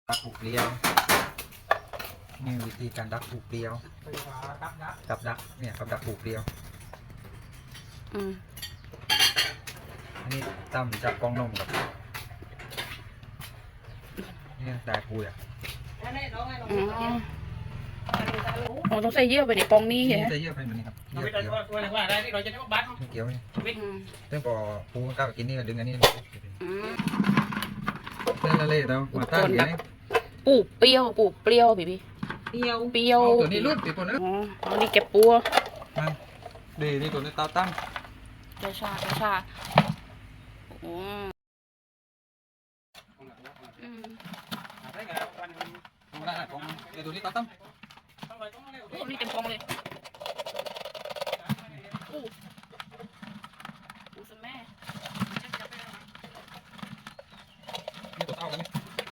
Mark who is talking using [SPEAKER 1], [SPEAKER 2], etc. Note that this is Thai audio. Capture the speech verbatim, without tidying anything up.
[SPEAKER 1] ดักผูกเปรี้ยวนี่วิธีการดักผูกเปรี้ยวกับดักเนี่ยกับดักผูกเปรี้ยว
[SPEAKER 2] อืม
[SPEAKER 1] อันนี้ตั้มจับกองนมกับเนี่ยได้ปูอ่ะ
[SPEAKER 2] อ๋ออ๋อต้องใส่เยื่อไปในปองนี้ใช่ไหม
[SPEAKER 1] จะเยอะไปเหมือนนี้ครับเยอะ
[SPEAKER 3] ไม่
[SPEAKER 1] เกี่ยว
[SPEAKER 3] ได้ว่าได้ที่เราจะต้องบัตร
[SPEAKER 1] เกี่ยวนี่
[SPEAKER 2] อืม
[SPEAKER 1] เรื่องพอปูก้าวกินนี่ก็ดึงอันนี้
[SPEAKER 2] อืม
[SPEAKER 1] เรื่องอะไรเรามาตั้งอย่างนี้
[SPEAKER 2] ปลูกเปรี้ยวปลูกเปรี้ยวพี่พี่เปรี้ยวเปรี้ยว
[SPEAKER 1] เอาตัวนี้รุดติดตัวนั้น
[SPEAKER 2] อ๋อเอานี่เก็บปัว
[SPEAKER 1] มาดีนี่ตัวนี้ตาตั้ง
[SPEAKER 2] ชาชาชาโอ้อืม
[SPEAKER 1] ของร้านของเดี๋ยวตัวนี้ตาตั้ง
[SPEAKER 2] โอ้นี่เต็มกองเลย